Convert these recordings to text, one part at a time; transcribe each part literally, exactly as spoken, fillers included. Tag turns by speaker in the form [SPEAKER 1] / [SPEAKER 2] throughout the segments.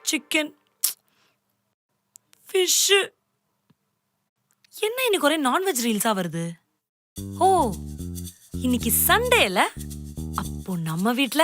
[SPEAKER 1] Chicken, fish. என்ன இன்னைக்கு ஒரே நான்வெஜ் ரீல்ஸா வருது? ஓ, இன்னைக்கு சண்டேல. அப்போ நம்ம வீட்ல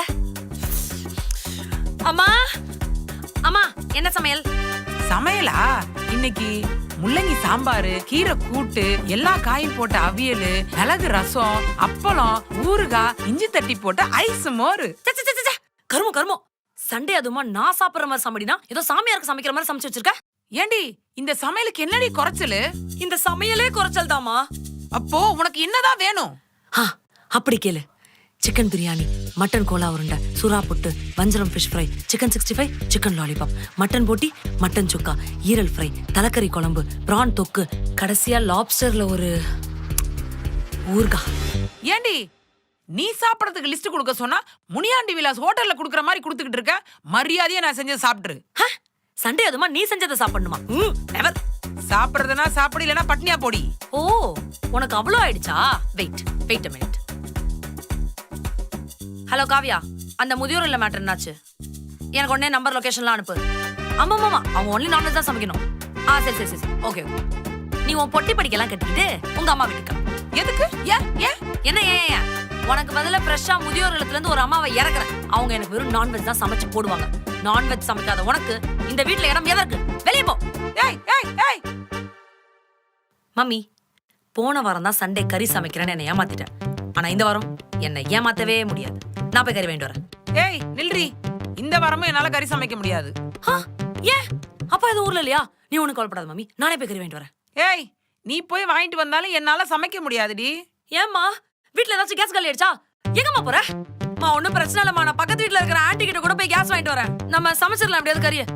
[SPEAKER 1] அம்மா அம்மா என்ன சமையல்?
[SPEAKER 2] சமையலா? இன்னைக்கு முள்ளங்கி சாம்பாரு, கீரை கூட்டு, எல்லா காயும் போட்ட அவியல், மிளகு ரசம், அப்பளம், ஊறுகாய், இஞ்சி தட்டி போட்ட ஐஸ் மோரு.
[SPEAKER 1] கருமோ கருமோ, சண்டே அதுமா நான் சாப்பிடுற மாதிரி சமைடினா ஏதோ சாமியாருக்கு சமைக்கிற மாதிரி சமைச்சு வச்சிருக்க.
[SPEAKER 2] ஏண்டி இந்த சமையலுக்கு என்னடி குறைச்சலு?
[SPEAKER 1] இந்த சமையலே குறைச்சல் தாமா.
[SPEAKER 2] அப்போ உனக்கு என்னதான் வேணும்?
[SPEAKER 1] அப்படி கேளு. சிக்கன் பிரியாணி, மட்டன் கோலா உருண்டை, சுறா புட்டு, வஞ்சரம் fish fry, chicken sixty five, chicken lollipop, mutton போட்டி, மட்டன் சுக்கா, ஈரல் ஃப்ரை, தலைக்கறி குழம்பு, பிரான் தொக்கு, கடைசியா லாப்ஸ்டர்ல ஒரு ஊர்கா.
[SPEAKER 2] ஏண்டி நீ சாப்பிடறதுக்கு லிஸ்ட் கொடுக்க சொன்னா முனியாண்டி விலாஸ் ஹோட்டல்ல குடுக்கற மாதிரி குடுத்துக்கிட்டு இருக்க. மரியாதையா நான் செஞ்சதை சாப்பிட்டுரு.
[SPEAKER 1] சண்டே அதுமா நீ செஞ்சதை சாப்பிடணுமா? நெவர்.
[SPEAKER 2] சாப்பிடுறதுனா சாப்பிடு, இல்லனா பட்னியா போடி.
[SPEAKER 1] ஓ, உனக்கு அவ்வளோ ஆயிடுச்சா? Wait wait a minute. Hello Kavya, அந்த முதியோர் இல்ல மேட்டர் என்னாச்சு? எனக்கு உடனே நம்பர் லொகேஷன்லாம் அனுப்பு. ஆமா மாமா, அவங்க ஒன்லி நான்வெஜ் தான் சமைக்கணும். ஆ சரி சரி சரி ஓகே ஓகே. நீ உன் பொட்டி படிக்கலாம் கட்டிக்கிட்டு உங்க அம்மா வீட்டுக்கு.
[SPEAKER 2] எதுக்கு? ஏன் ஏன்
[SPEAKER 1] என்ன ஏன் ஏன்? உனக்கு பதிலா ஃப்ரெஷ்ஷா முதியோர் இல்லத்துல இருந்து ஒரு அம்மாவை இறக்குறேன். அவங்க எனக்கு வெறும் நான்வெஜ் தான் சமைச்சு போடுவாங்க. நான்வெஜ் சமைக்காத உனக்கு இந்த வீட்ல இடம் எதற்கு? வெளியே போ.
[SPEAKER 2] ஏய் ஏய் ஏய்
[SPEAKER 1] மம்மி, போன வாரம் தான் சண்டே கறி சமைக்கிறேன்னு என்னை ஏமாத்திட்டேன். ஆனா இந்த வாரம் என்னை ஏமாத்தவே முடியாது. நான் போய் கறி வாங்கிட்டு வரேன்.
[SPEAKER 2] ஏய் நில்றி, இந்த வாரமும் என்னால கறி சமைக்க முடியாது.
[SPEAKER 1] ஏன்? அப்பா இது ஊர்ல இல்லையா? நீ ஒண்ணு கவலைப்படாத மம்மி, நானே போய் கறி வாங்கிட்டு வரேன்.
[SPEAKER 2] ஏய், நீ போய் வாங்கிட்டு வந்தாலும் என்னால சமைக்க முடியாதுடி.
[SPEAKER 1] ஏம்மா, வீட்ல ஏதாச்சும் கேஸ் காலி ஆயிடுச்சா? எங்கம்மா போற? மா ஒண்ணும் பிரச்சனை இல்லம்மா, நான் பக்கத்து வீட்ல இருக்கிற ஆண்டி கிட்ட கூட போய் கேஸ் வாங்கிட்டு வரேன். நம்ம சமைச்சிடலாம் அப்படியாவது கறிய.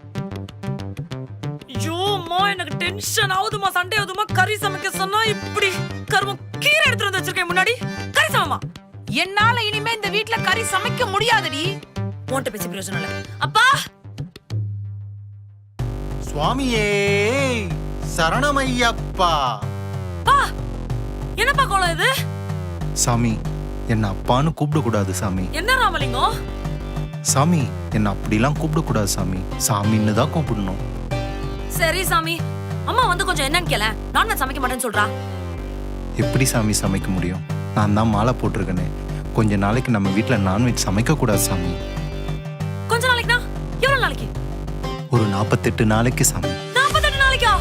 [SPEAKER 1] ஐயோ அம்மா, எனக்கு டென்ஷன் ஆகுதுமா. சண்டே ஆகுதுமா, கறி சமைக்க சொன்னா இப்படி கருமம். கீரை எடுத்துட்டு வந்து வச்சிருக்கேன் முன்னாடி. கறி சமைமா.
[SPEAKER 2] என்னால இனிமே இந்த வீட்ல கறி சமைக்க முடியாதுடி.
[SPEAKER 1] உன்கிட்ட பேசி பிரயோஜனம் இல்ல. அப்பா
[SPEAKER 3] சுவாமியே சரணமையப்பா.
[SPEAKER 1] பா, என்னப்பா கோலம் இது?
[SPEAKER 3] சாமி, என்ன அப்பான்னு கூப்பிடக்கூடாது சாமி.
[SPEAKER 1] என்ன ராமலிங்கம்?
[SPEAKER 3] சாமி, என்ன அப்படிலாம் கூப்பிடக்கூடாது சாமி. சாமின்னு தான் கூப்பிடணும்.
[SPEAKER 1] சரி சாமி. அம்மா வந்து கொஞ்சம் என்னன்னு கேள. நான்வெஜ் சமைக்க மாட்டேன்னு சொல்றா.
[SPEAKER 3] எப்படி சாமி சமைக்க முடியும்? நான் தான் மாலை போட்டிருக்கேனே. கொஞ்ச நாளைக்கு நம்ம வீட்ல நான்வெஜ் சமைக்க கூடாது சாமி.
[SPEAKER 1] கொஞ்ச நாளைக்குனா எவ்வளவு நாளைக்கு?
[SPEAKER 3] ஒரு நாற்பத்தெட்டு நாளைக்கு சாமி.
[SPEAKER 1] நாற்பத்தெட்டு நாளைக்கா?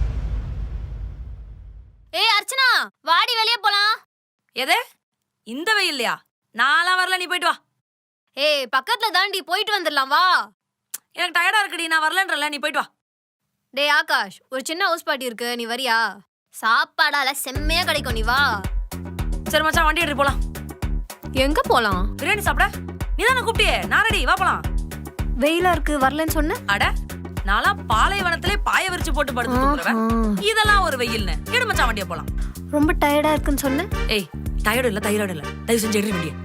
[SPEAKER 4] ஏய் அர்ச்சனா, வாடி வெளியே போலாம்.
[SPEAKER 1] எது? இந்த வெயில்லையா? நான்லாம் வரல, நீ போயிட்டு வா.
[SPEAKER 4] ஏய் பக்கத்துல தாண்டி, போயிட்டு வந்துடலாம் வா.
[SPEAKER 1] எனக்கு டயர்டா இருக்குடி, நான் வரலன்றல, நீ போயிட்டு வா.
[SPEAKER 4] டேய் ஆகாஷ், ஒரு சின்ன ஹவுஸ் பார்ட்டி இருக்கு, நீ வரியா? சாப்பாடால செம்மையா கிடைக்கும், நீ வா.
[SPEAKER 1] சரி மச்சான், வண்டி எடுத்து போலாம்.
[SPEAKER 4] எங்க போலாம்?
[SPEAKER 1] பிரியாணி சாப்பிட நீ தானே கூப்பிட்டியே. நான் ரெடி, வா போலாம்.
[SPEAKER 4] வெயிலா இருக்கு, வரலன்னு சொன்ன.
[SPEAKER 1] அட, நான்லாம் பாலைவனத்திலே பாய விரிச்சு போட்டு படுத்து தூங்குறவன். இதெல்லாம் ஒரு வெயில்னு. எடு மச்சான், வண்டியை போலாம்.
[SPEAKER 4] ரொம்ப டயர்டா இருக்குன்னு சொன்ன.
[SPEAKER 1] ஏய், டயர்டு இல்ல தைராய்டு இல்ல, தயவு செஞ்சு எடுத்து வண்டியை.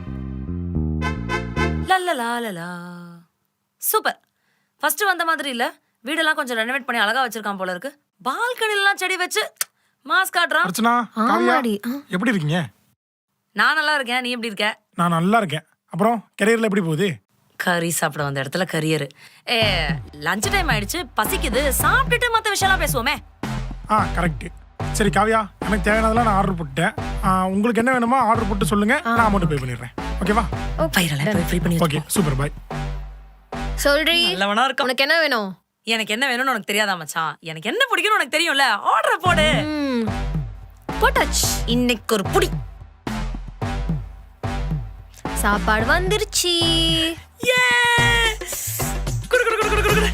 [SPEAKER 1] லல்லலா. சூப்பர். ஃபர்ஸ்ட் வந்த மாதிரி இல்ல, வீடெல்லாம் கொஞ்சம் ரெனோவேட் பண்ணி அழகா வச்சிருக்கான் போல இருக்கு. பால்கனிலாம் செடி வச்சு மாஸ் காட்டுறான்.
[SPEAKER 5] அர்ச்சனா, காவியா, எப்படி இருக்கீங்க?
[SPEAKER 1] நான் நல்லா இருக்கேன், நீ எப்படி இருக்க?
[SPEAKER 5] நான் நல்லா இருக்கேன். அப்புறம் கரியர்ல எப்படி போகுது?
[SPEAKER 1] கறி சாப்பிட வந்த இடத்துல கரியர். ஏ, லஞ்ச் டைம் ஆயிடுச்சு, பசிக்குது. சாப்பிட்டுட்டு மற்ற விஷயம்லாம் பேசுவோமே.
[SPEAKER 5] ஆ கரெக்ட். சரி காவியா, எனக்கு தேவையானதெல்லாம் நான் ஆர்டர் போட்டுட்டேன். உங்களுக்கு என்ன வேணுமோ ஆர்டர் போட்டு சொல்லுங்க, நான் அமௌண்ட் பே பண்ணிடுறேன். ஓகேவா?
[SPEAKER 1] பைரலாம் ஃப்ரீ பண்ணி.
[SPEAKER 5] Okay, super, bye.
[SPEAKER 4] சொல்றீ,
[SPEAKER 1] நல்லவனா இருக்க.
[SPEAKER 4] உனக்கு என்ன வேணும்?
[SPEAKER 1] எனக்கு என்ன வேணும்னு உனக்கு தெரியாதா மச்சான்? எனக்கு என்ன பிடிக்கும்னு உனக்கு தெரியும்ல. ஆர்டர் போடு.
[SPEAKER 4] போட்டாச்சு.
[SPEAKER 1] இன்னைக்கு ஒரு புடி.
[SPEAKER 4] சாப்பாடு வந்துருச்சு.
[SPEAKER 1] ஏ! குடு குடு குடு குடு குடு.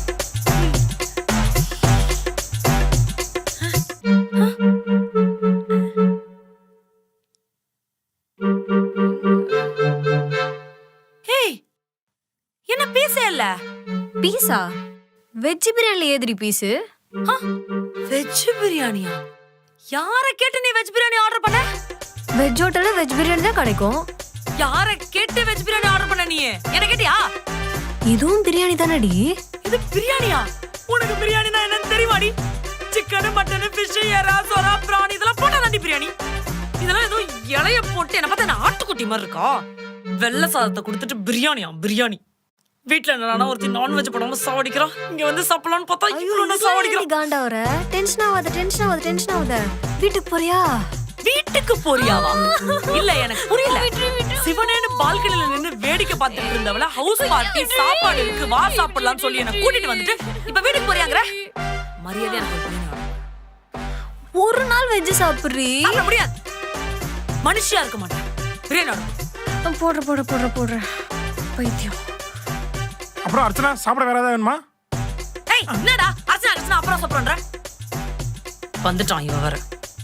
[SPEAKER 1] ஏய், என்ன பீஸே இல்ல?
[SPEAKER 4] பீஸா? வெஜ் பிரியாணில ஏதிரி பீஸு?
[SPEAKER 1] வெஜ் பிரியாணியா? யாரை கேட்டு நீ வெஜ் பிரியாணி ஆர்டர் பண்ண?
[SPEAKER 4] வெஜ் ஹோட்டல்ல வெஜ் பிரியாணி தான் கிடைக்கும்.
[SPEAKER 1] யாரை கேட்டு வெஜ் பிரியாணி ஆர்டர் பண்ண நீ? என்ன கேட்டியா?
[SPEAKER 4] இதுவும் பிரியாணி தானடி?
[SPEAKER 1] இது பிரியாணியா? உனக்கு பிரியாணினா என்னன்னு தெரியுமாடி? சிக்கன், மட்டன், ஃபிஷ், எறா, சொரா, பிரான் இதெல்லாம் போட்டா தாண்டி பிரியாணி. இதெல்லாம் ஏதோ இலைய போட்டு என்ன பார்த்தா என்ன ஆட்டுக்குட்டி மாதிரி இருக்கா? வெள்ளை சாதத்தை கொடுத்துட்டு பிரியாணியா? பிரியாணி வீட்ல என்னடா ஒருத்தி நான்வெஜ் போடாம சாவடிக்கிறான், இங்க வந்து சாப்பிடலாம்னு பார்த்தா இவ்வளவு சாவடிக்கிறான்.
[SPEAKER 4] காண்டா வர டென்ஷன் ஆகாத டென்ஷன் ஆகாத டென்ஷன் ஆகாத வீட்டுக்கு போறியா?
[SPEAKER 1] வீட்டுக்கு போறியாவா? இல்ல எனக்கு புரியல. சிவனேன்னு பால்கனில நின்னு வேடிக்கை பார்த்துட்டு இருந்தவள ஹவுஸ் பார்ட்டி சாப்பாடு இருக்கு வா சாப்பிடலாம்னு சொல்லி என்ன கூட்டிட்டு வந்துட்டு இப்ப வீட்டுக்கு போறியாங்கற? மரியாதை எனக்கு ஒரு பிரியாணி வேணும்.
[SPEAKER 4] ஒரு நாள் வெஜ் சாப்பிடுறீ?
[SPEAKER 1] சாப்பிட முடியாது, மனுஷியா இருக்க மாட்டேன். பிரியாணி வேணும்.
[SPEAKER 4] போடுற போடுற போடுற போடுற பைத்தியம்.
[SPEAKER 5] அப்புறம் அர்ச்சனா சாப்பிட வேற ஏதாவது வேணுமா?
[SPEAKER 1] ஏய் என்னடா அர்ச்சனா அர்ச்சனா அப்புறம் சாப்பிடுறேன். வந்துட்டான் இவ வேற.